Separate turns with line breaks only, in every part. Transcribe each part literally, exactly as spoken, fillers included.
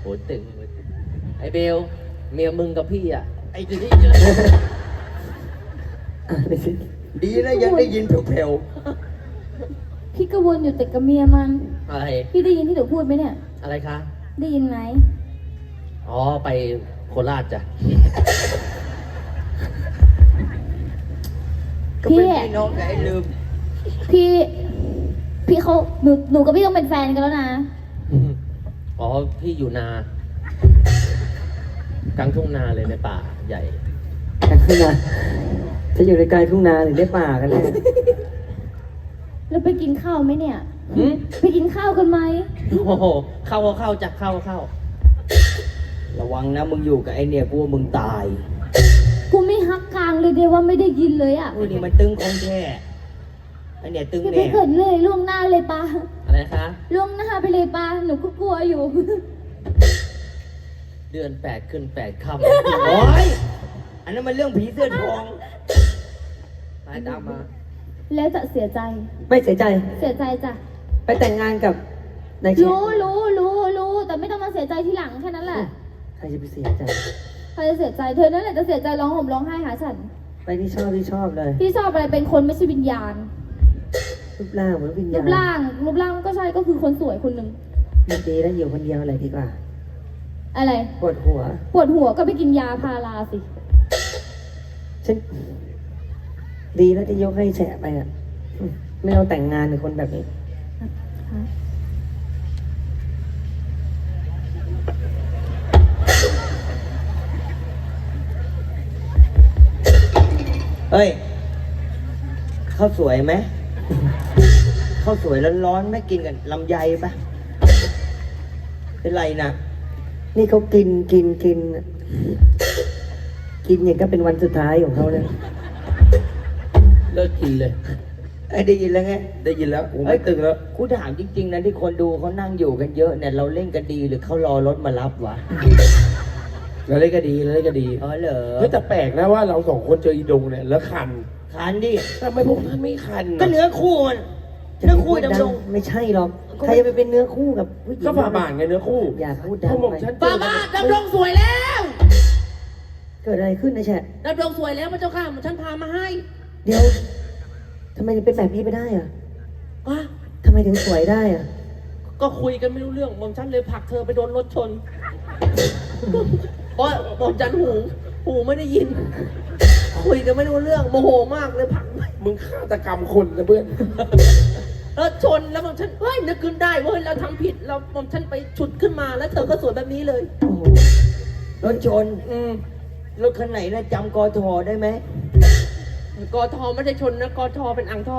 ตึงไอ้เบลเมียมึงกับพี่อ่ะไอ้ที่
ดีนะยังได้ยินแผ่ว
พี่ก็วนอยู่แต่กับเมียมัน
อะไร
พี่ได้ยินที่หนูพูดไหมเนี่ย
อะไรคะ
ได้ยินไหม
อ๋อไปโคราชจ้ะ
ๆก็เป็นพี่น้องกับไอ้ลืม
พี่ พี่เขาหนูหนูกับพี่ต้องเป็นแฟนกันแล้วนะ
อ๋อพี่อยู่นากลางทุ่งนาเลยในป่าใหญ่
กลางทุ่งนาจะอยู่ในกลางทุ่งนาหรือในป่ากันแน่
แล้วไปกินข้าวไหมเนี่ย
หืม
ไปกินข้าวกันไหม
โอ้โหเข้าก็เข้าจ้ะเข้าก็เข้า
ระวังนะมึงอยู่กับไอ้เนี่ยกูว่ามึงตาย
กูไม่ฮักกลางเลยเดียวว่าไม่ได้ยินเลยอ่ะ
อุ้ยนี่มันตึงของแท้ไอ้เนี่ยตึง
พี่ไป
แน่
เกิดเลยล่วงหน้าเลยปะ
อะไรคะ
ล่วงหน้าไปเลยปะหนูก็กลัวอยู่
เดือนแปดขึ้นแปดค่
โอ้ยอันนั้นมันเรื่องผีเสื้อทอง
ำไปตามมา
แล้วจะเสียใจ
ไม่เสียใจ
เสียใจจ้ะ
ไปแต่งงานกับนายเชฟ
รู้รู้รู้รู้แต่ไม่ต้องมาเสียใจทีหลังแค่นั้นแหละ
ใครจะไปเสียใจ
ใครจะเสียใจเธอนั่นแหละจะเสียใจร้องห่มร้องไห้หาฉัน
ไปที่ชอบที่ชอบเลย
พี่ชอบอะไรเป็นคนไม่ใช่วิญญาณ
รูปร่างเหมือนวิญ
รู
ญาณ
ปร่างรูปร่างก็ใช่ก็คือคนสวยคนหนึ่ง
มันดีแล้วอยู่คนเดียวอะไรดีกว่า
อะไร
ปวดหัว
ปวดหัวก็ไปกินยาพาราสิ
ฉันดีแล้วที่ยกให้แฉะไปอ่ะอืมไม่เอาแต่งงานกับคนแบบนี้
เฮ้ยข้าวสวยไหมข้าวสวยร้อนๆไม่กินกันลำไยปะเป็นไรนะ
นี่เขากินกินกิน กินอย่างก็เป็นวันสุดท้ายของเขาเลย
เลิกกินเลย
ไอ้ได้ยินแล้วไง
ได้ยินแล้วกู
เอ้
ไม่
ย
ตึงแล้ว
กูถามจริงๆนะที่คนดูเขานั่งอยู่กันเยอะเนี่ยเราเล่นกันดีหรือเขารอรถมารับวะ
แล้วเล่นก็ดีแล้วเล่นก็ดี
อ๋อเหรอ
เฮ้ยแต่แปลกนะว่าเราสองคนเจออีดงเนี่ยแล้วคัน
คันดิ
ทำไมพวกท่านไม่คัน
ก็เนื้อคู่มันเนื้อคู่ดำรง
ไม่ใช่หรอก ใครจะไปเป็นเนื้อคู่กับผู้หญิง
ก็ฝ่าบาทไงเนื้อคู่
อย่าพูดดัง
พวกผม
ไป
ฉันเจ
ป้า
อ
บ้านดำรงสวยแล้ว
เกิดอะไรขึ้นนะแฉะ
ดำรงสวยแล้วพระเจ้าค่ะมันฉันพามาให้
เดี๋ยวทำไมถึงเป็นแบบนี้ไปได้อ่ะ
อ่ะ
ทำไมถึงสวยได้อ่ะ
ก็คุยกันไม่รู้เรื่องหมอมฉันเลยผลักเธอไปโดนรถชน เพราะหมอมฉันหูหูไม่ได้ยิน คุยกันไม่รู้เรื่องโมโหมากเลยผลัก
มึงฆาตกรรมคนนะเพื่อน
เออชนแล้วหมอมฉันเฮ้ยนึกขึ้นได้เว้ยเราทำผิดเราหมอมฉันไปฉุดขึ้นมาแล้วเธอก็สวยแบบนี้เลย
โอ้โห
รถชน
อืม
รถคันไหนนะจำกอทอได้ไหม
กอทอไม่ใช่ชนนะกอทอเป็นอ่างทอง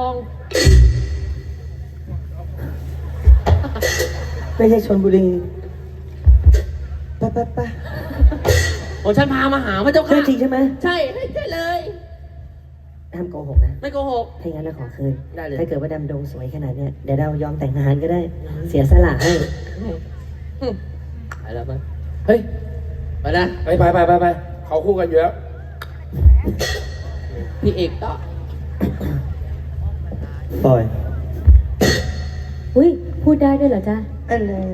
ไม่ใช่ชนบุรี
ไปไปไป
หมอมฉันพามาหาพระเจ้า
เรื่
ค่ะ
องจริงใช่ไหม
ใช่ใช่เลย
ห้ามโกหกนะ
ไม่โกหก
ถ้าอย่างนั้นเราขอคืน
ได้เลย
ถ้าเกิดว่าดำดงสวยขนาดเนี้ยเดี๋ยวเรายอมแต่งงานก็ได้ เสียสละให้
ไปแล้วไปเฮ้ยไปนะ
ไปไปไปไปไปเขาคู่กันอยู่แล้ว
พี่เอกต่อ
ปล่อย
อุ้ยพูดได้ด้วยเหรอจ๊ะ
อันนั้น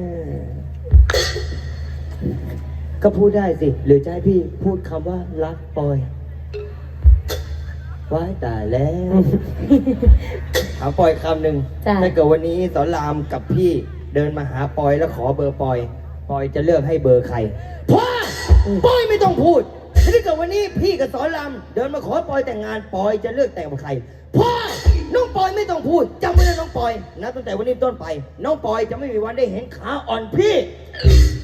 ก็พูดได้สิ หรือจะให้พี่พูดคำว่ารักปล่อยว้ายตายแล้วถามปอยคำหนึ่ง
จ้ะ
ถ้าเกิดวันนี้สอนรามกับพี่เดินมาหาปอยแล้วขอเบอร์ปอย ปอยจะเลือกให้เบอร์ใครพ่อปอยไม่ต้องพูดถ้าเกิดวันนี้พี่กับสอนรามเดินมาขอปอยแต่งงานปอยจะเลือกแต่งกับใครพ่อน้องปอยไม่ต้องพูดจำไว้นะน้องปอยนะตั้งแต่วันนี้เป็นต้นไป น้องปอยจะไม่มีวันได้เห็นขาอ่อนพี่